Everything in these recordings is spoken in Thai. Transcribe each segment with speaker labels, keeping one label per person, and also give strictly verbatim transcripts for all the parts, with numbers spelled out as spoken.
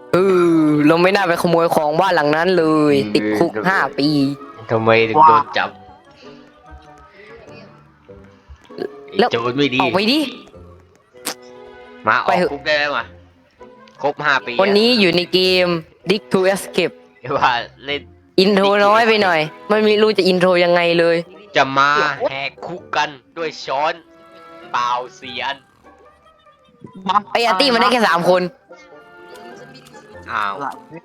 Speaker 1: เออเราไม่น่าไปขโมยของบ้านหลังนั้นเลยติดคุกห้าปี
Speaker 2: ทำไมถึงโดนจับไอ้
Speaker 1: แล้ว
Speaker 2: โจรไม่ดี
Speaker 1: ออกไปดิ
Speaker 2: มาอ
Speaker 1: ไป
Speaker 2: อก
Speaker 1: เถอะ
Speaker 2: คุกได้แล้วมาครบห้าปี
Speaker 1: วันนี้อยู่ในเกม Dig to Escape
Speaker 2: อะว่าเล่น
Speaker 1: อินโทรน้อยไปหน่อยไม่มีรู้จะอินโทรยังไงเลย
Speaker 2: จะมาแหกคุกกันด้วยช้อนเปล่าเสียน
Speaker 1: ไออาร์ตี้มันได้แค่สามคน
Speaker 2: อ้าว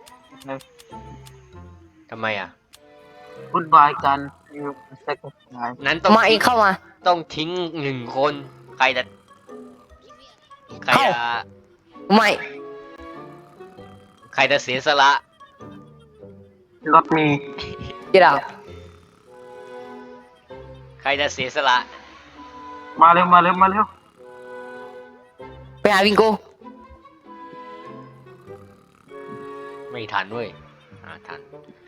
Speaker 2: ทำไมอ่ะ
Speaker 3: วุ่นวายกันอยู่เซ็กซ์ไง
Speaker 2: นั้นต้อง
Speaker 1: มาเองเข้ามา
Speaker 2: ต้องทิ้งหนึ่งคน ใครจะใคร
Speaker 1: เข้า
Speaker 2: จะ
Speaker 1: ไม่
Speaker 2: ใครจะเสียสละ
Speaker 3: รถมี
Speaker 1: เดี๋ยว
Speaker 2: ใครจะเสียสละ
Speaker 3: มาเร็วมาเร็วมาเร็ว
Speaker 1: ไปหาวิงโก
Speaker 2: ไม่ทันเว้ยอ่าทัน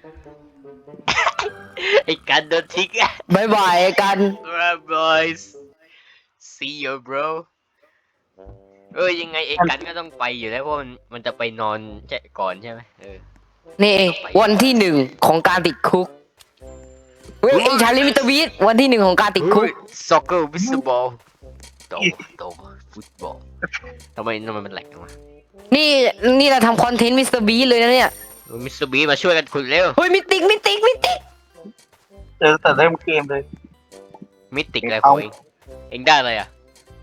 Speaker 2: ไอ้กันโดนทิ้งอ่ะ
Speaker 1: บายบายกัน
Speaker 2: boys see you bro เออยังไงไอ้กันก็ต้องไปอยู่แล้วเพราะมันมันจะไปนอนใช่ก่อนใช่ไหมเออ
Speaker 1: นี่เองวันที่หนึ่งของการติดคุกเฮ้ยไอชาลิมิตบีทวันที่หนึ่งของการติดคุก
Speaker 2: ซ็อกเกอร์วิสบอลโตโตฟุตบอลทำไมทำไมมันแหลกจังวะ
Speaker 1: นี่นี่เราทำคอนเทนต์มิสเตอร์บีเลยนะเนี่ย
Speaker 2: มิสเตอร์บีมาช่วยกันขุดเร็ว
Speaker 1: เฮ้ยมิติกมิติกมิติก
Speaker 3: เจอแต่เริ่มเกมเลย
Speaker 2: มิติกอะไรของเองเองได้อะไรอ่ะ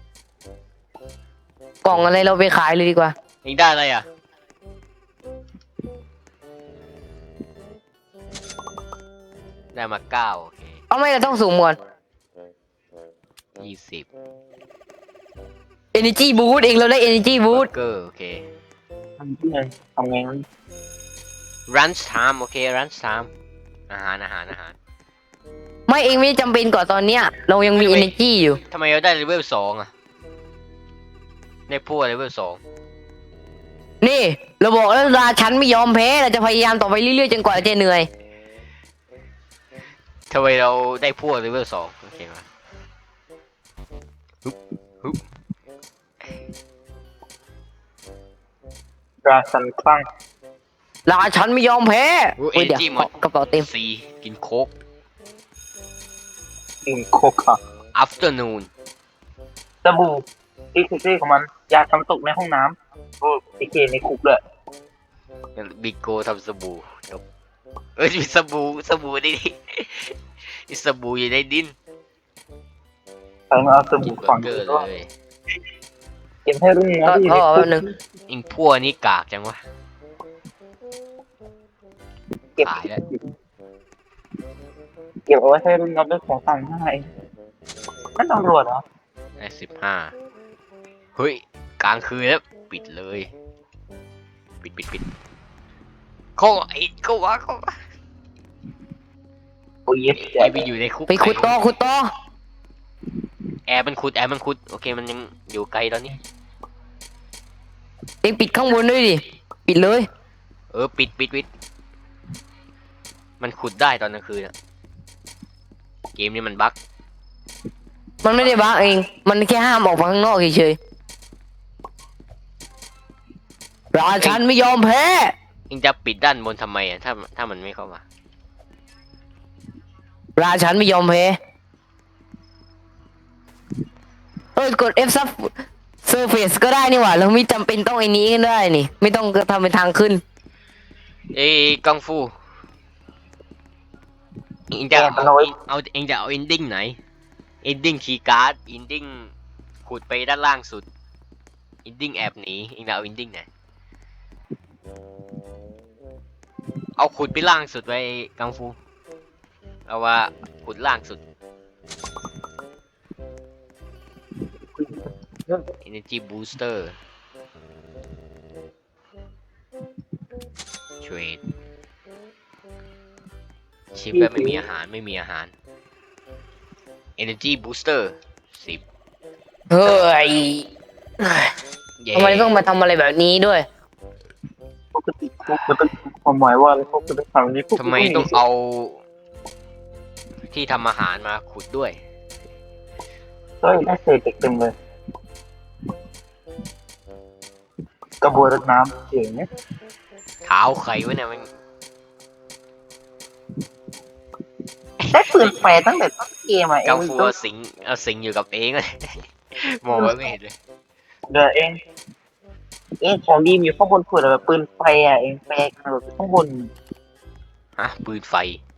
Speaker 1: กล่องอะไรเราไปขายเลยดีกว่า
Speaker 2: เองได้อะไรอ่ะได้มาเก้าโอเค
Speaker 1: เอาไม่เราต้องสูงหมด
Speaker 2: ยี่สิบ
Speaker 1: Energy Boost เองเราได้ Energy
Speaker 2: บู
Speaker 1: Boost
Speaker 2: เกอร์โอเค
Speaker 3: ทำที่ไหนทำไงวะ
Speaker 2: Lunch time โอเค Lunch time อาหารอาหารอาหาร
Speaker 1: ไม่เองไม่จำเป็นก่อนตอนเนี้ยเรายังมี Energy อยู่
Speaker 2: ทำไมเราได้เลเวลสองอ่ะในพวกเลเวลสอง
Speaker 1: นี่เราบอกแล้วราชันไม่ยอมแพ้เราจะพยายามต่อไปเรื่อยๆจนกว่าจะเหนื่อย
Speaker 2: ทำไมเราได้พวกเลเวลสองโอเคมาฮึบฮึบ
Speaker 3: ราชันคลั่ง
Speaker 1: ราชันไม่ยอมแพ้
Speaker 2: อู้เอ
Speaker 1: เฮ้ยเดี๋ยว
Speaker 2: จีหมด
Speaker 1: กระเป๋าเต็ม
Speaker 2: สี่กินโค้ก
Speaker 3: กินโคค่ะ
Speaker 2: afternoon
Speaker 3: สบู่ที่คือชื่อของมันยาทำตกในห้องน้ำโอ้พีเคในคุกเลย
Speaker 2: บิโกทำสบู่จบเอ้ยมีสบู่สบู่ดิมีสบู่อยู่ในดิน
Speaker 3: ใครมาเอาส
Speaker 2: กิ
Speaker 3: บู่
Speaker 2: นเบอ
Speaker 3: ฝัง
Speaker 2: ร์เกอร์
Speaker 3: ก็
Speaker 2: เลย
Speaker 3: เก็บให้รุ่นน้
Speaker 1: ก็
Speaker 3: องที่อยู่
Speaker 1: ก็
Speaker 3: ในคุ
Speaker 1: แป๊
Speaker 3: ก
Speaker 1: บนึง
Speaker 2: อิงพวกนี้กากจังวะ
Speaker 3: เก็บ
Speaker 2: ขายแล้ว
Speaker 3: เก็บเอาไว้ให้รุ่นน้องด้วยของต่างให้นั่นตำรวจเหรอ
Speaker 2: ได้สิบห้าเฮ้ยกลางคืนแล้วปิดเลย ปิดปิดปิดเข้าไอ้เข้าวะเข้าวะ
Speaker 3: โอ้ยเย็ด
Speaker 2: ไอ้ไปอยู่ในคุก
Speaker 1: ไปขุดต่อขุดต่อ
Speaker 2: แอร์มันขุดแอร์มันขุดโอเคมันยังอยู่ไกลตอนนี้
Speaker 1: เองปิดข้างบนด้วยดิปิดเลย
Speaker 2: เออปิดปิดปิดมันขุดได้ตอนกลางคืนอะเกมนี้มันบั๊ก
Speaker 1: มันไม่ได้บ้าเอง มันแค่ห้ามออกมาข้างนอกเฉยๆราชันไม่ยอมแพ้
Speaker 2: เองจะปิดด้านบนทำไมอะถ้าถ้ามันไม่เข้ามา
Speaker 1: ราชันไม่ยอมแพ้เอ้ยกด F sub surface ก็ได้นี่หว่าเราไม่จำเป็นต้องไอ้นี้ก็ได้นี่ ไม่ต้องทำเป็นทางขึ้น
Speaker 2: เอ้ยกังฟูเองจะเอาเอาเองจะเอาเอนดิ้งไหนเอนดิ้งคีย์การ์ดเอนดิ้งขุดไปด้านล่างสุดเอนดิ้งแอบหนีเองจะเอาเอนดิ้งไหนเอาขุดไปล่างสุดไว้กังฟูเอาว่าขุดล่างสุด Energy Booster Trade ชิปแบบไม่มีอาหารไม่มีอาหาร Energy Booster สิบ
Speaker 1: เฮ้ย
Speaker 2: เย้
Speaker 1: ทำไมต้องมาทำอะไรแบบนี้ด้วย
Speaker 3: ปกติคุกมันต้องความหมายว่าอะไรคุกมันต้องทำอย่างนี้คุก
Speaker 2: ทำไมต้องเอาที่ทำอาหารมาขุดด้วย
Speaker 3: เฮ้ยได้เศษเด็กเต็มเลยกระบวยรดน้ำเจ๋งเนี่ย
Speaker 2: เท้าใครวะเนี่ยมัน
Speaker 3: ได้ปืนแฟร์ตั้งแต่ต้นเกมอ่ะเอ
Speaker 2: กัง
Speaker 3: ง
Speaker 2: ฟู
Speaker 3: ต้อ
Speaker 2: เอาสิงเอาสิงอยู่กับเองเลย มองไว้ไม่เห็นเลย
Speaker 3: เดี๋ยวเองเองของดีมอยู่ข้างบนเผื่อแบบปืนแฟร์อ่ะเองแฟร์กันแบบข้างบน
Speaker 2: ฮะปืนไฟ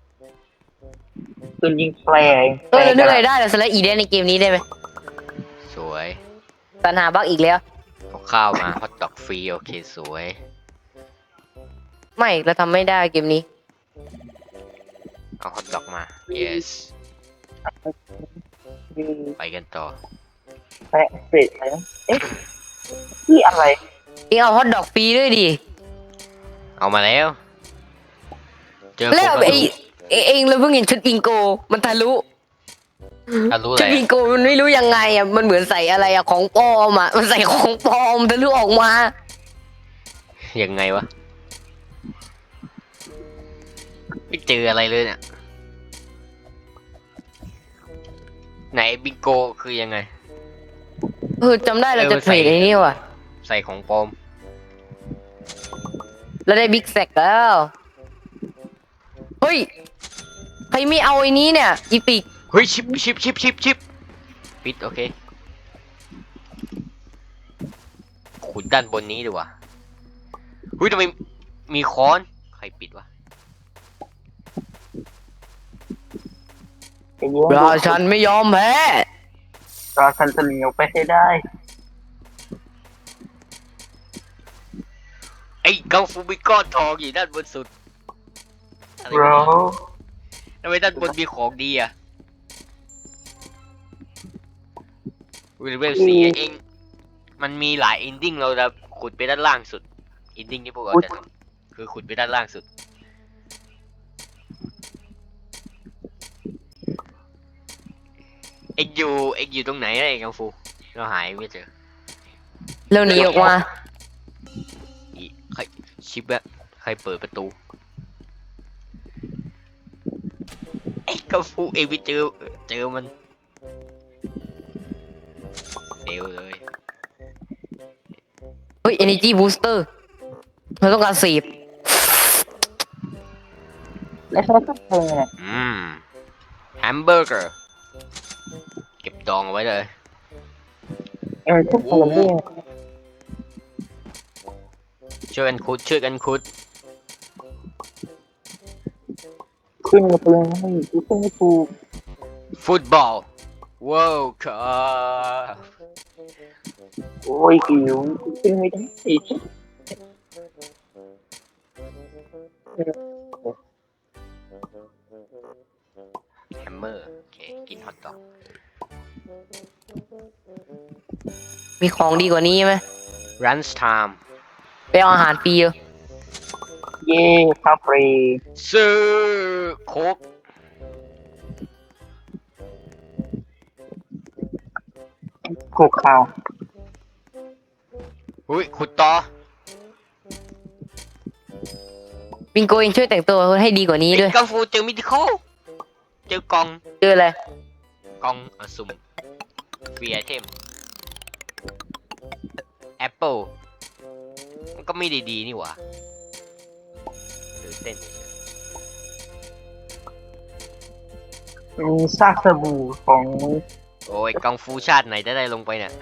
Speaker 3: ปืนยิงแฟร์เอง
Speaker 1: เออเรานึกอะไรได้เราสไลด์อีเดนในเกมนี้ได้ไหม
Speaker 2: สวย
Speaker 1: ปัญหาบั๊กอีกแล้ว
Speaker 2: เอาข้าวมาฮอตดอกฟรีโอเคสวย
Speaker 1: ไม่เราทำไม่ได้เกมนี้
Speaker 2: เอาฮอตดอกมา yes ไปกันต่อ
Speaker 3: แฟร์เฟร์อะไรนะเอ๊ะที่อะไร
Speaker 1: เองเอาฮอตดอกฟรีด้วยดิ
Speaker 2: เอามาแล้ว เจอ
Speaker 1: แล้ว
Speaker 2: ผม
Speaker 1: ไอเอเองเราเพิ่งเห็นชุดบิงโก มันทะลุ
Speaker 2: ถ้ารู้อะ
Speaker 1: ชุ
Speaker 2: ไร
Speaker 1: ดบิงโกมันไม่รู้ยังไงอ่ะมันเหมือนใส่อะไรอ่ะของปลอมอ่ะมันใส่ของปลอมทะลุออกมา
Speaker 2: ยังไงวะไม่เจออะไรเลยเนี่ยไหนบิงโกคือยังไง
Speaker 1: เออจำได้เราจะ
Speaker 2: เออ
Speaker 1: เทรด
Speaker 2: ใส่
Speaker 1: ไอ้นี่ว่ะ
Speaker 2: ใส่ของปลอม
Speaker 1: เราได้บิ๊กแซกแล้วเฮ้ยใครไม่เอาไอ้นี้เนี่ยอีปิก
Speaker 2: เฮ้ยชิปชิปชิปชิปชิปปิดโอเคขุดด้านบนนี้ดีกว่าเฮ้ยทำไมมีค้อนใครปิดวะ
Speaker 3: ไอ้เนี้ย
Speaker 1: ราชันไม่ยอมแพ้
Speaker 3: ราชันจะเหนียวไปให้ได้
Speaker 2: ไอ้กังฟูมีก้อนทองอยู่ด้านบนสุดอะไร
Speaker 3: bro
Speaker 2: วะทำไมด้านบนมีของดีอ่ะวิลเวลซีเองมันมีหลายอินดิ้งเราจะขุดไปด้านล่างสุดอินดิ้งที่พวกเราจะทำคือขุดไปด้านล่างสุดเอ็กอยู่เอ็กอยู่ตรงไหนนะเอ็กกังฟูเราหายไม่เจอ
Speaker 1: เร็วหนีออกมา
Speaker 2: อีใครชิปอะใครเปิดประตูไอ้กังฟูเอ็กไปเจอเจอมันเซลเลย
Speaker 1: เฮ้ย energy booster เราต้องการสีบ
Speaker 3: แล้วใช้ก็เพลงเนี่ย
Speaker 2: อืมแฮมเบอร์เกอร์เก็บดองเอาไว้เลย
Speaker 3: เออทุกเพลงด้วย
Speaker 2: ช่วยกันคุดช่วยกันคุด
Speaker 3: ขึ้นกับเพลงให้กูขึ้นไม่ถูก
Speaker 2: ฟุตบอลว้าวครับ
Speaker 3: โอ้ยหิวกูขึ้นไม่ได้อีก
Speaker 2: แฮมเมอร์โอเคกินฮอตดอก
Speaker 1: มีของดีกว่านี้ไหม
Speaker 2: รันส์ไทม์
Speaker 1: ไปเอาอาหารฟรีเยอะ
Speaker 3: เย่คาเฟ่
Speaker 2: ซื้อโคก
Speaker 3: ถูกข่าว
Speaker 2: อุ้ยขุดต่อ
Speaker 1: บิงโกเองช่วยแต่งตัวให้ดีกว่านี้ด้วย
Speaker 2: กังฟูเจอมิติคอลเจอกล่อง
Speaker 1: เจออะไร
Speaker 2: กล่องอะสุ่มฟรีไอเทมแอปเปิลมันก็ไม่ได้ดีนี่หว่าตื่นเต้นเฉย
Speaker 3: มีซากสบู่ของ
Speaker 2: ๆโอ้ยกังฟูชาติไหนจะได้ลงไปเนี่ย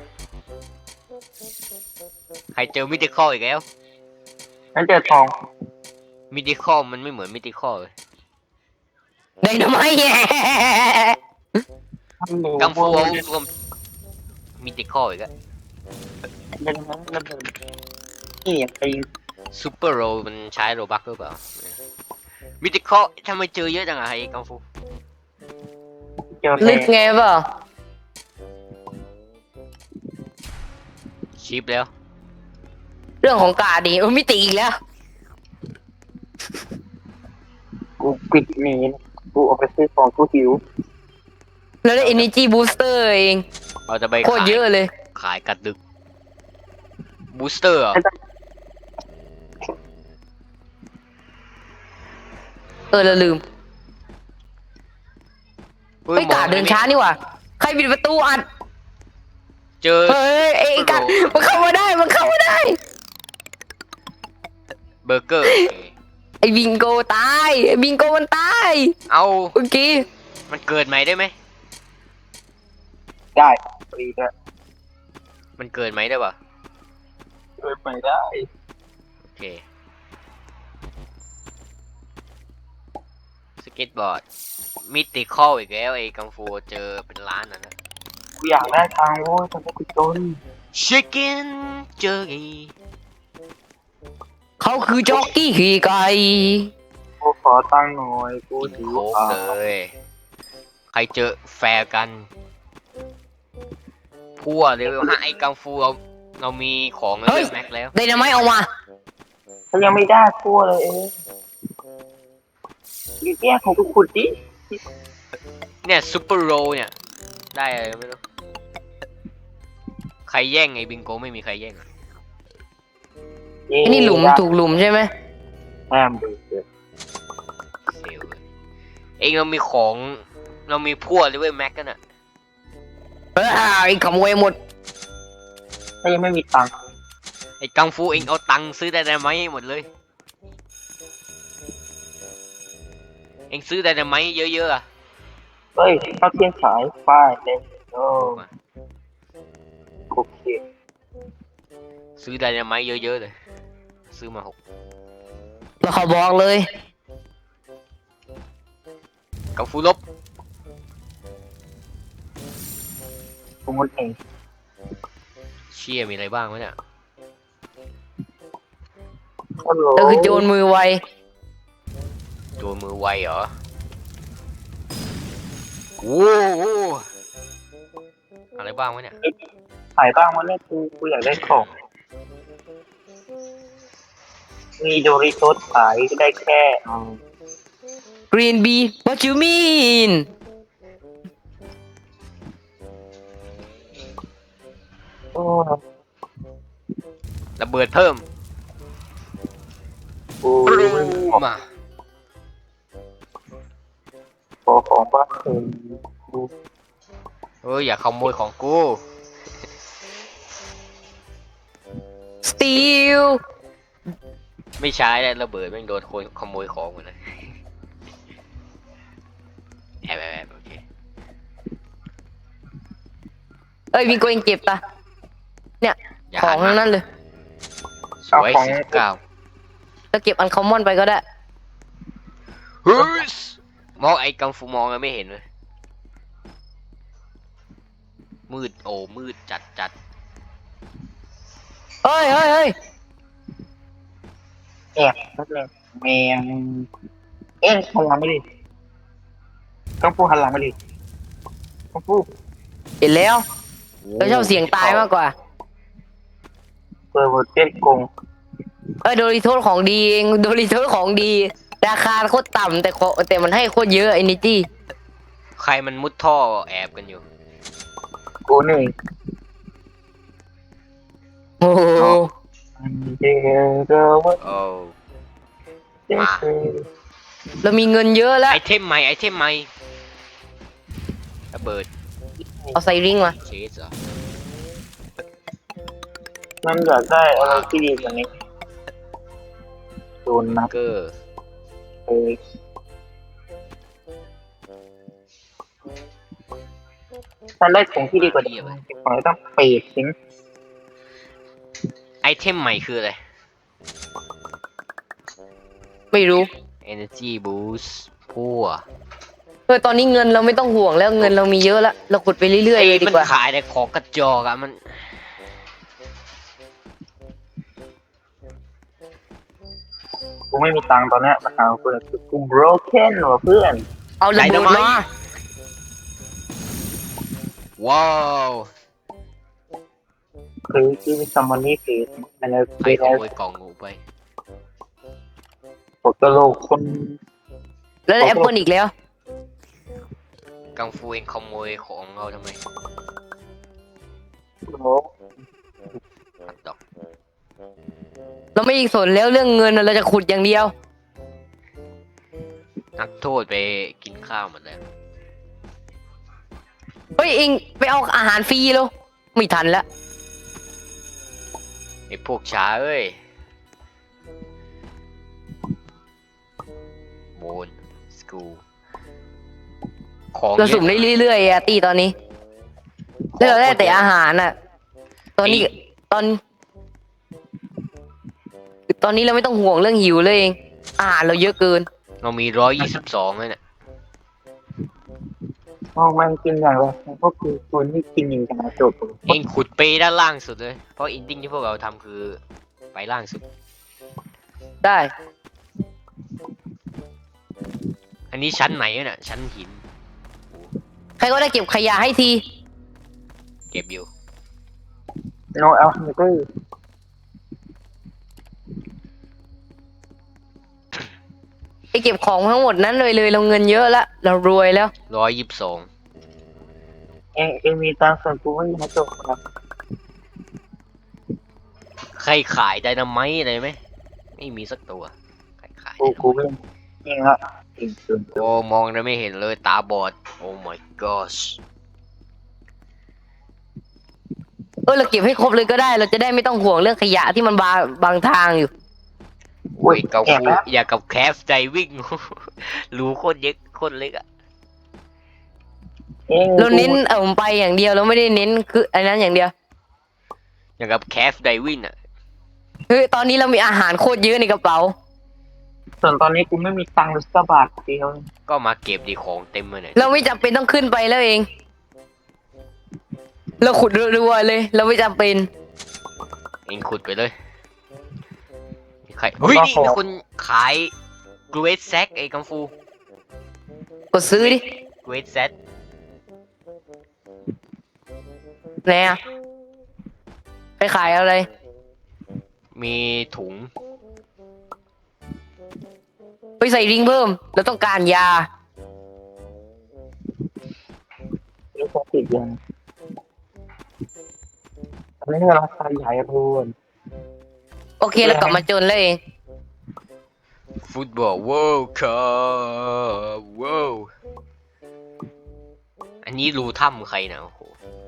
Speaker 2: ใครเจอมิติคอลอีกแล้ว
Speaker 3: นั่นเจอทอง
Speaker 2: มิติคอลมันไม่เหมือนมิติคอลเลย
Speaker 1: ไดนาไมต์แย่
Speaker 2: กังฟูเอารวมมิติคอลอีกแล้ว
Speaker 3: เดินมาระเบิดนี่อย่าไป
Speaker 2: ซูเปอร์โรมันใช้โรบักหรือเปล่ามิติคอลทำไมเจอเยอะจังอะไอ้กังฟู
Speaker 3: เจอ
Speaker 1: ลึกไงเปล่า
Speaker 2: ชิปแล้ว
Speaker 1: เรื่องของกาดีเออมิติอีกแล้ว
Speaker 3: กูปิดหนีกูออกไปซื้อของกูหิว
Speaker 1: แล้วได้ energy booster เอง
Speaker 2: เราจะไป
Speaker 1: โคตร
Speaker 2: ขาย
Speaker 1: เยอะเลย
Speaker 2: ขายกัดดึกบูสเตอร์เหรอ
Speaker 1: เออเราลืม
Speaker 2: ฮ้
Speaker 1: เฮ้ยกาเดินช้านี่หว่าใครปิดประตูอัด
Speaker 2: เจอ
Speaker 1: เฮ้ยไอ้กัดมันเข้ามาได้มันเข้ามาได้
Speaker 2: เบอร์เกอร์โอเค
Speaker 1: ไอ้บิงโกตายไอ้บิงโกมันตาย
Speaker 2: เอา
Speaker 1: เมื่อกี้
Speaker 2: มันเกิดใหม่ได้ไหม
Speaker 3: ได้ฟรีด้วย
Speaker 2: มันเกิดใหม่ได้ปะ
Speaker 3: เกิดไปได้
Speaker 2: โอเคสเก็ตบอร์ดมิติคอลอีกแล้วไอ้กังฟูเจอเป็นล้านนะนะ
Speaker 3: กูอยากได้ทางโว้ยทำไมกูจน
Speaker 2: ชิคเก้นเจอไง
Speaker 1: เขาคือจ็อกกี้ขี่ไก่
Speaker 3: กูขอตังค์หน่อยกู
Speaker 2: กิน
Speaker 3: ถือ
Speaker 2: โค้ก
Speaker 3: อ่า
Speaker 2: เลยใครเจอแฟร์กันพัวเลเวลห้าไอ้กังฟูเราเรามีของเลเวลแม็กแล้ว
Speaker 1: ไดนาไมต์เอามา
Speaker 3: เขายังไม่ได้ทั่วเลยเองนี่แยกของกูขุดดิ
Speaker 2: เนี่ยซูเปอร์โรเนี่ย ได้อะไรไม่รู้ ใครแย่งไอ้บิงโกไม่มีใครแย่งอะ
Speaker 3: เย้
Speaker 1: ไอ้นี่หลุมถูกหลุมใช่ไหม
Speaker 3: แอมดูเถอะ
Speaker 2: เซลเลยเองเรามีของเรามีพัวเลเวลแม็กกันอะ
Speaker 1: เออไอ้ขโมยหมด
Speaker 3: ถ้ายังไม่มีตังค์
Speaker 2: ไอ้กังฟูเองเอาตังค์ซื้อไดนาไมต์ให้หมดเลย เองซื้อไดนาไมต์เยอะๆอะ
Speaker 3: เฮ้ยเข้าเที่ยงขายป้ายเลยโอ้โอเค
Speaker 2: ซื้อไดนาไมต์เยอะๆเลย ซื้อมาหก
Speaker 1: แล้วเขาบอกเลย
Speaker 2: กังฟูลบ
Speaker 3: กูงดเอง
Speaker 2: เชี่ยมีอะไรบ้างวะเนี่ย
Speaker 3: ฮัลโหล
Speaker 1: แล้วคือโจรมือไว
Speaker 2: โดนมือไวเหรอโอ้โหอะไรบ้างวะเนี่ย
Speaker 3: ขายบ้างวันนี้กูกูอยากได้ของมีโดริโตสขายก็ได้แค่อืม
Speaker 1: Green Bee what you mean
Speaker 3: โอ้
Speaker 2: ระเบิดเพิ่ม
Speaker 3: กู
Speaker 2: ปรู
Speaker 3: ไม่มีของ
Speaker 2: มา
Speaker 3: ขอของบ้างเออกู
Speaker 2: เฮ้ยอย่าขโมยของกู
Speaker 1: Steal
Speaker 2: ไม่ใช้แล้วระเบิดแม่งโดนคนขโมยของหมดเลยแอบแอบแอบโอเค
Speaker 1: เอ้ยบิงโกเองเก็บปะเนี่ย
Speaker 2: อย่า
Speaker 1: ของ
Speaker 2: หั
Speaker 1: ทั้
Speaker 2: น
Speaker 1: ง
Speaker 2: มา
Speaker 1: นั้นเลย
Speaker 2: สวยสิบเก้า
Speaker 1: แล้วเก็บอันคอมมอนไปก็ได้
Speaker 2: เฮ้ยมองไอ้กังฟูมองแล้วไม่เห็นเลยมืดโอ้มืดจัดจัด
Speaker 1: เฮ้ยเฮ้ยเฮ้ย
Speaker 3: แอบนักเลยแมงเอ็งหันหลังไม่ดิต้องพูดหันหลังไม่ดิต้องพูด
Speaker 1: เห็นแล้ว
Speaker 2: โอ้
Speaker 1: เราชอบเสียงตายมากกว่า
Speaker 3: เปิดบทเต้นโกง
Speaker 1: เอ้ยโดริโทสของดีเองโดริโทสของดี ราคาโคตรต่ำแต่ขอแต่มันให้โคตรเยอะไอ้นิจี้
Speaker 2: ใครมันมุดท่อแอบกันอยู่
Speaker 3: กูนี่
Speaker 1: โอ้โห
Speaker 3: เดี๋ยวเดี๋ยวว่า
Speaker 2: โอ้
Speaker 3: เดี๋ยว
Speaker 1: เรามีเงินเยอะแล้ว
Speaker 2: ไอเทมใหม่ไอเทมใหม่ระเบิด
Speaker 1: เอาใส่ริงมา
Speaker 2: เชสเหรอ
Speaker 3: มันอยากได้อะไรที่ดีกว่านี้โดนนับ
Speaker 2: เกอร์
Speaker 3: เลยมันได้ของที่ดีกว่านี้ขอให้ต้องเปรตสิง
Speaker 2: ไอเทมใหม่คืออะไร
Speaker 1: ไม่รู้
Speaker 2: Energy Boost พัว
Speaker 1: เออตอนนี้เงินเราไม่ต้องห่วงแล้วเงินเรามีเยอะแล้วเราขุดไปเรื่อยๆเลยดี
Speaker 2: มัน
Speaker 1: กว่า
Speaker 2: ขายแต่ของกระจอกอะมัน
Speaker 3: กูไม่มีตังค์ตอนเนี้ยมาหาเพื่อนกู broken ว่ะเพื่อน
Speaker 1: เอาระเบิดมา
Speaker 2: ว้าว
Speaker 3: คือที่มีซัมมอนนี่คืออะไร
Speaker 2: ใคร
Speaker 3: คือ
Speaker 2: ข
Speaker 3: อะไร
Speaker 2: โมยกล่องงูไป
Speaker 3: ปกโลกคน
Speaker 1: แล้วแอปเปิลอีกแล้ว
Speaker 2: กังฟูเองขโมยของเราทำไม
Speaker 3: โลก
Speaker 2: ตัดดอก
Speaker 1: เราไม่สนแล้วเรื่องเงินเราจะขุดอย่างเดียว
Speaker 2: นักโทษไปกินข้าวหมดแล้ว
Speaker 1: เฮ้ยเองไปเอาอาหารฟรีแล้วไม่ทันแล้ว
Speaker 2: ไอพวกช้าเอ้ยกูของ
Speaker 1: เรา
Speaker 2: เย
Speaker 1: สุ่ม
Speaker 2: อะ
Speaker 1: ได้เรื่อยๆอะตีตอนนี้แล้วเราได้แต่อาหารอ่ะ ตอนนี้ตอน ตอนนี้เราไม่ต้องห่วงเรื่องหิวเลยเองอาหารเราเยอะเกิน
Speaker 2: เรามีร้อยยี่สิบสองเลยเนี่ย
Speaker 3: โอ้มันกินอย่างไรพวกคือคนที่กินอย่างกระจก
Speaker 2: เองขุดไปด้านล่างสุดเลย เพราะอินดิ้งที่พวกเราทำคือไปล่างสุด
Speaker 1: ได้
Speaker 2: อันนี้ชั้นไหนเนี่ยชั้นหิน
Speaker 1: ใครก็ได้เก็บขยะให้ที
Speaker 2: เก็บอยู่
Speaker 3: โนเอลฮังเกอร์
Speaker 1: ไปเก็บของทั้งหมดนั้นเลยเลยเราเงินเยอะแล้วเรารวยแล้ว
Speaker 2: ร้อยยี่สิบสอง
Speaker 3: เองเองมีตังค์ส่วนกูไม่มีกระจกครับ
Speaker 2: ใครขายไดนาไมต์อะไรไหม ไม่มีสักตัว ใครขาย
Speaker 3: กูกูไม่เองละเองส่วนตัว
Speaker 2: โอ้มองแล้วไม่เห็นเลยตาบอด โอ้ my gosh
Speaker 1: เออเราเก็บให้ครบเลยก็ได้ เราจะได้ไม่ต้องห่วงเรื่องขยะที่มันบางบางทางอยู่
Speaker 2: โอ้ยเกา
Speaker 3: แอบ
Speaker 2: คู
Speaker 3: แล้ว
Speaker 2: อย่ากับแคฟใจวิ่ง รูโคตรเย็กโคตรเล็กอะ
Speaker 3: เอง
Speaker 1: เราเน้นเอาไปอย่างเดียวเราไม่ได้เน้นคืออันนั้นอย่างเดียว
Speaker 2: อย่างกับแคฟไดวิ่งอะ
Speaker 1: เฮ้ยตอนนี้เรามีอาหารโคตรเยอะในกระเป๋า
Speaker 3: ส่วนตอนนี้กูไม่มีตังค์เลยสักบาทเดียว
Speaker 2: ก็มาเก็บดีของเต็มเลยเนี่ย
Speaker 1: เราไม่จำเป็นต้องขึ้นไปแล้วเอง เราขุดรัวๆเลย เราไม่จำเป็น
Speaker 2: เองขุดไปเลยมีใครเฮ้ยนี่มีคนขายกรเวสแซกไอ้กังฟู
Speaker 1: กดซื้อดิ
Speaker 2: กรเวสแซก
Speaker 1: ไหนอะไปขายอะไร
Speaker 2: มีถุง
Speaker 1: ไปใส่ริงเพิ่ม เราต้องการยา
Speaker 3: เองคงติดยังอันนี้ราคาใหญ่รูน
Speaker 1: โอเคเรากลับมาจนแล้วเอง
Speaker 2: ฟุตบอลว้าวครับว้าวอันนี้รูถ้ำใครนะโอ้โห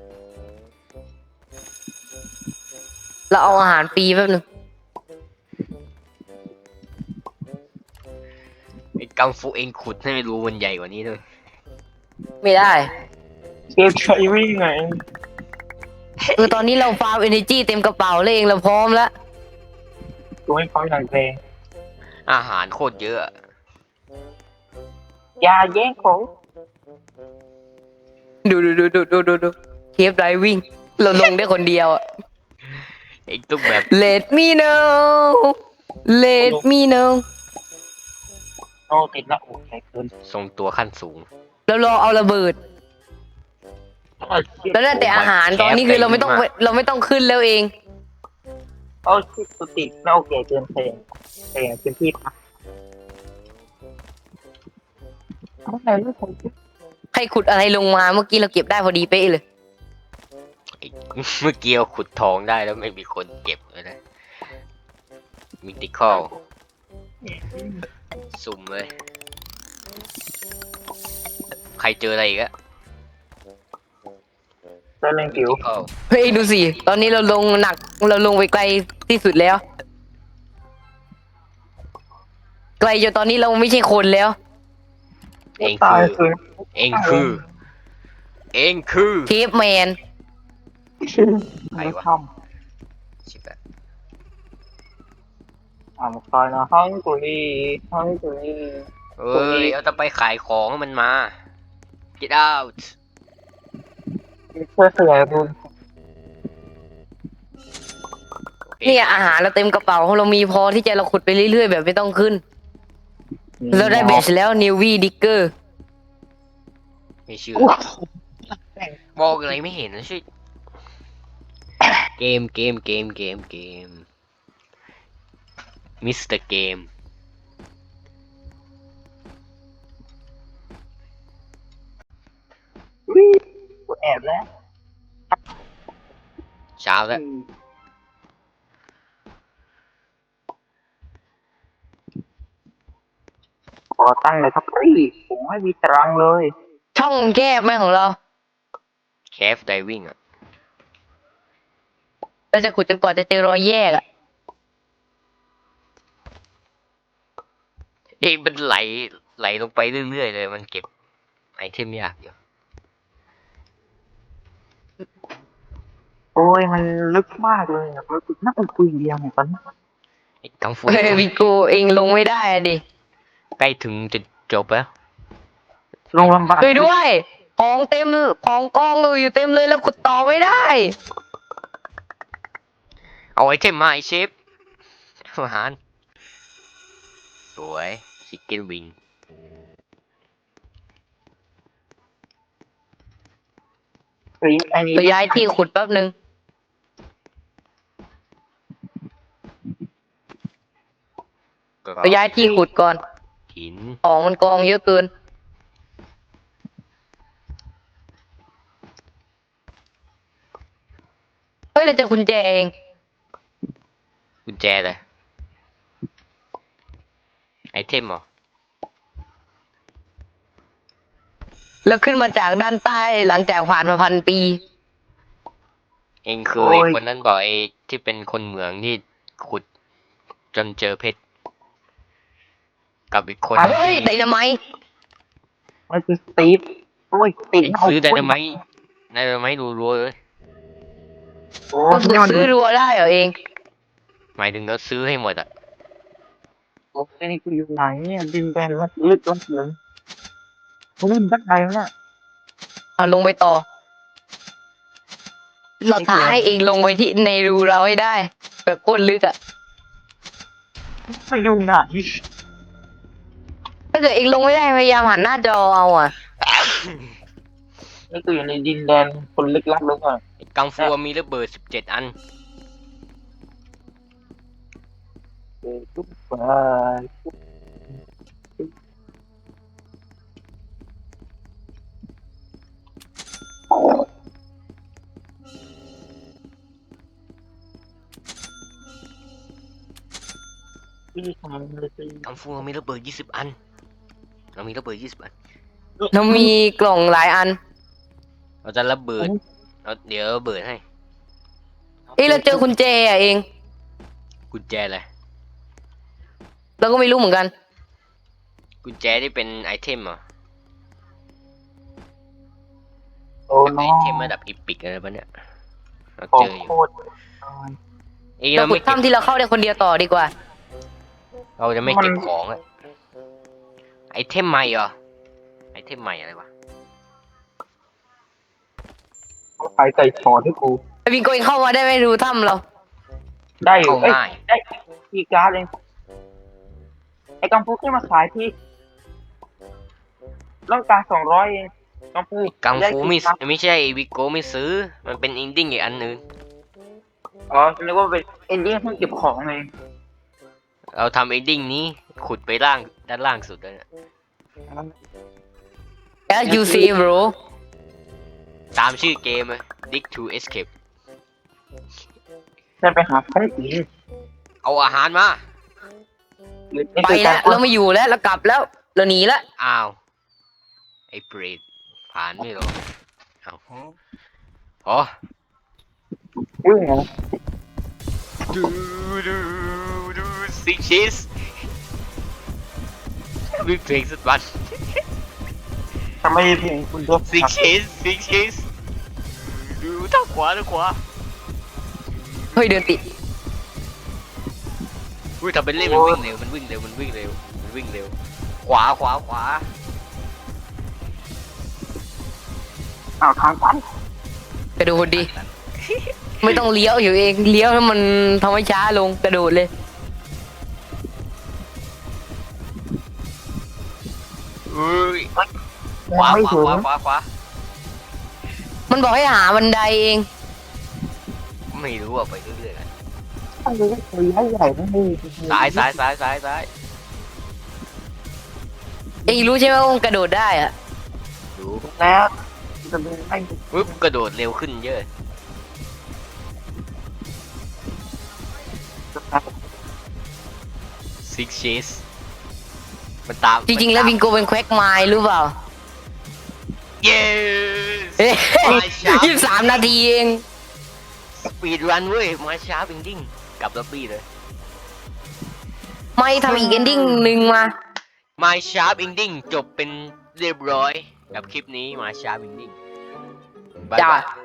Speaker 1: เราเอาอาหารฟรีแป๊บนึง
Speaker 2: ไอ้กังฟูเองขุดให้รูมันใหญ่กว่านี้ด้วย
Speaker 1: ไม่ได้
Speaker 3: เก็บใช้วิ่งไง
Speaker 1: คือตอนนี้เราฟาร์มเอเนจีเต็มกระเป๋าเลยเองเราพร้อมแล้ว
Speaker 3: กูไม่พร้อมอย่างแรง
Speaker 2: อาหารโคตรเยอะอะ
Speaker 3: อย่าแย่งของ
Speaker 1: ดูดูดูดูดูดูดูเคฟไดวิ่งเราลงได้คนเดียวอะ
Speaker 2: เองต้องแบบ
Speaker 1: Let me know Let me know
Speaker 3: โอ้ติดละโอ้ใหญ่เกิน
Speaker 2: ทรงตัวขั้นสูง
Speaker 1: เรารอเอาระเบิด แล้วได้แต่อาหารตอนนี้คือเราไม่ต้องเราไม่ต้องขึ้นแล้วเอง
Speaker 3: โอ้ชิสุติแล้วโอเคเกินเพลงเพลงพื้นที่พักอะไรลูกผม
Speaker 1: ใครขุดอะไรลงมาเมื่อกี้เราเก็บได้พอดีเป๊ะเลย
Speaker 2: ไอ้ เมื่อกี้เราขุดทองได้แล้วไม่มีคนเก็บเลยนะมิติคอลสุ่มเลย ใครเจออะไรอีกอะ
Speaker 3: เล่นผิว
Speaker 2: Mythical
Speaker 1: เฮ้ยดูสิ ตอนนี้เราลงหนักเราลงไปไกลที่สุดแล้ว ไกลจนตอนนี้เราไม่ใช่คนแล้ว
Speaker 2: เอง
Speaker 3: ตาย
Speaker 2: คือ
Speaker 3: คือ
Speaker 2: เองคือ เองคือ
Speaker 1: เคฟแมน
Speaker 2: ใครวะ
Speaker 3: ท
Speaker 2: ชิบะ
Speaker 3: ำอ่าคอยนะห้องกุลีห้องกุลี
Speaker 2: เอ้ยเอาจะไปขายของให้มันมา get out
Speaker 3: เพื่อขยายรูน
Speaker 2: โอเค
Speaker 1: เนี่ยอาหารเราเต็มกระเป๋าเรามีพอที่จะเราขุดไปเรื่อยๆแบบไม่ต้องขึ้น เราได้เบสแล้วนิววีดิกเกอร์
Speaker 2: ไม่เชื่อบอกอะไรไม่เห็นนะชิเกมเกมเกมเกมเกมมิสเตอร์เกม
Speaker 3: วิ่งกูแอบแล้ว
Speaker 2: เช้าแล้ว
Speaker 3: ขอตั้งเลยครับพี่ผมไม่มีตรังเลย
Speaker 1: ช่องแคบไหมของเรา
Speaker 2: แคฟไดวิ่งอ่ะ
Speaker 1: เราจะขุดจนกว่าจะเจอรอยแยกอะ
Speaker 2: เองมันไหลไหลลงไปเรื่อยๆเลยมันเก็บไอเทมยากอยู่
Speaker 3: โอ้ยมันลึกมากเลยอะลึกน่าจะคุยเดียวเนี่ยตอนนี้
Speaker 2: ไอ้กังฟู
Speaker 1: เฮ้ยวิโกเองลงไม่ได้อะดิ
Speaker 2: ใกล้ถึงจะจบแล้ว
Speaker 3: ลงลำบาก
Speaker 1: ช่วยด้วยของเต็มของกองเลยอยู่เต็มเลยแล้วกดต่อไม่ได้
Speaker 2: เอาไอเทมมาไอเชฟอาหารสวยชิคเก้นวิง
Speaker 3: เฮ้ยไอ้นี่
Speaker 1: ไปย้ายที่ขุดแป๊บนึง ไปย้ายที่ขุดก่อน
Speaker 2: หิน
Speaker 1: ของมันกองเยอะเกิน เฮ้ยเราเจะกุญแจเอง
Speaker 2: กุญแจเลยไอเทมเหรอ
Speaker 1: แล้วขึ้นมาจากด้านใต้หลังจากผ่านมาพันปี
Speaker 2: เองคือไอคนนั้นบอกไอที่เป็นคนเหมืองที่ขุดจนเจอเพชรกับอีกคน
Speaker 1: เฮ้ยไดนาไมต์
Speaker 3: มันคือสตีฟโอ้ยตี
Speaker 2: เองซื้อไดนาไมต์ไดนาไมต์รัวๆเลย
Speaker 3: โอ้
Speaker 1: ก็
Speaker 3: ยมัน
Speaker 1: ซื้อรัวได้เหรอเอง
Speaker 2: หมายถึงเราซื้อให้หมดอ่ะ
Speaker 3: โอ้ยนี่กูอยู่ไหนเนี่ยดินแดนลึกลึกล้นเหลืองกูเล่นสักไงวะเนี่ย
Speaker 1: เอาลงไปต่อ เราท้าให้เองลงไปที่ในรูเราให้ได้ แบบโคตรลึกอะ
Speaker 3: ไม่อยู่ไหน
Speaker 1: ถ้าเกิดเองลงไม่ได้พยายามหันหน้าจอเอาอะ
Speaker 3: นี่กูอยู่ในดินแดนคนลึกลับลึกอ่ะ
Speaker 2: ไอ้กังฟูมีระเบิดสิบเจ็ดอัน
Speaker 3: เออทุกไปที่ทำเลยสิ
Speaker 2: กังฟูมีระเบิดยี่สิบอัน เรามีระเบิดยี่สิบอัน
Speaker 1: เรามีกล่องหลายอัน
Speaker 2: เราจะระเบิดเราเดี๋ยวระเบิดให้
Speaker 1: เอ้ยเราเจอกุญแจอะเอง
Speaker 2: กุญแจเลย
Speaker 1: เราก็ไม่รู้เหมือนกัน
Speaker 2: กุญแจที่เป็นไอเทมเหรอ
Speaker 3: โอ้
Speaker 2: เป็น
Speaker 3: น้
Speaker 2: ไอ
Speaker 3: อง
Speaker 2: เทมระดับอีพิกอะไรปะเนี่ย เรา
Speaker 3: ขอ
Speaker 2: เจออยู่
Speaker 3: โคตร
Speaker 2: เอ้ย
Speaker 1: เรา
Speaker 2: เรา
Speaker 1: ขุ
Speaker 2: ไม่
Speaker 1: ด
Speaker 2: เก็บ
Speaker 1: ถ้ำที่เราเข้าได้คนเดียวต่อดีกว่า
Speaker 2: เราจะไม่เก็บของอะไอเทมใหม่เหรอ ไอเทมใหม่อะไรวะ
Speaker 3: ใครใส่ถอดให้กู
Speaker 1: ไอวิงโกเองเข้ามาได้ไหมรูถ้ำเรา
Speaker 3: ได้อยู่
Speaker 2: เข้า
Speaker 3: เอ้ย
Speaker 2: ง่าย
Speaker 3: ได้คีย์การ์ดเองไอ้กังฟูขึ้นมาขายที่ต้องการสองร้อยเองกังฟู
Speaker 2: กังฟูไม่
Speaker 3: ด้คีย์การ์ด
Speaker 2: ไม่ใช่วิโก้ไม่ซื้อ มันเป็นอินดิ้งอีกอันนึง
Speaker 3: อ๋อฉันนึกว่าเป็นเอนดิ้งเพิ่งเก็บของเอง
Speaker 2: เราทำอินดิ้งนี้ขุดไปล่างด้านล่างสุดเลยนะ
Speaker 1: As you see bro
Speaker 2: ตามชื่อเกมเลย Dig to Escape
Speaker 3: ฉันไปหาพระอีก
Speaker 2: เอาอาหารมา
Speaker 1: ไปแล้วเราไม่อยู่แล้วเรากลับแล้ว เราหนีแล้ว
Speaker 2: อ้าว ไอ้เปรตผ่านไม่หรอเอาอ๋อ
Speaker 3: วิ่งเหรอ
Speaker 2: ดูดูดูซิกชีสมีเพลงสักวัน
Speaker 3: ทำไมเพลงคุณตัว
Speaker 2: ซิกชีสซิกชีสดูทางขวาทางขวา
Speaker 1: เฮ้ยเดินติด
Speaker 2: อุ้ยทำเป็นเล่นมันวิ่งเร็วมันวิ่งเร็วมันวิ่งเร็วมันวิ่งเร็ว ขวาขวาขวา
Speaker 3: อ้าวทางตัน
Speaker 1: กระโดดดิ ไม่ต้องเลี้ยวอยู่เองเลี้ยวแล้วมันทำให้ช้าลงกระโดดเลย
Speaker 2: อุ้ยขวา
Speaker 3: ไม่
Speaker 2: ขวา
Speaker 3: ถึง
Speaker 2: ขวาขวาขวา
Speaker 1: มันบอกให้หาบันไดเอง
Speaker 2: ไม่รู้อ่ะไปเรื่อยๆกัน
Speaker 3: อันนี้ก็คือให้ใหญ่ไม่ดี
Speaker 2: ซ้ายซ้ายซ้ายซ้ายซ้าย
Speaker 1: เองรู้ใช่ไหมว่ามันกระโดดได้อะ
Speaker 2: ดู
Speaker 3: แล้วจะเป็นให้
Speaker 2: ปึ๊บกระโดดเร็วขึ้นเยอะ Six Chase มันตาม
Speaker 1: จริงๆแล้ววิงโกเป็นแควกไมล์หรือเปล่า
Speaker 2: เย้
Speaker 1: เอ๊ะ
Speaker 2: มาช้า
Speaker 1: ยี่สิบสามนาทีเอง
Speaker 2: สปีดรันเว้ย มาช้าบิงดิ้งกลับล็อบบี้เลย
Speaker 1: ไม่ทำอีกเอนดิ้งหนึ่งมา
Speaker 2: My Sharp Ending จบเป็นเรียบร้อยกับคลิปนี้ My Sharp Ending บ๊าย
Speaker 1: จ้า
Speaker 2: บาย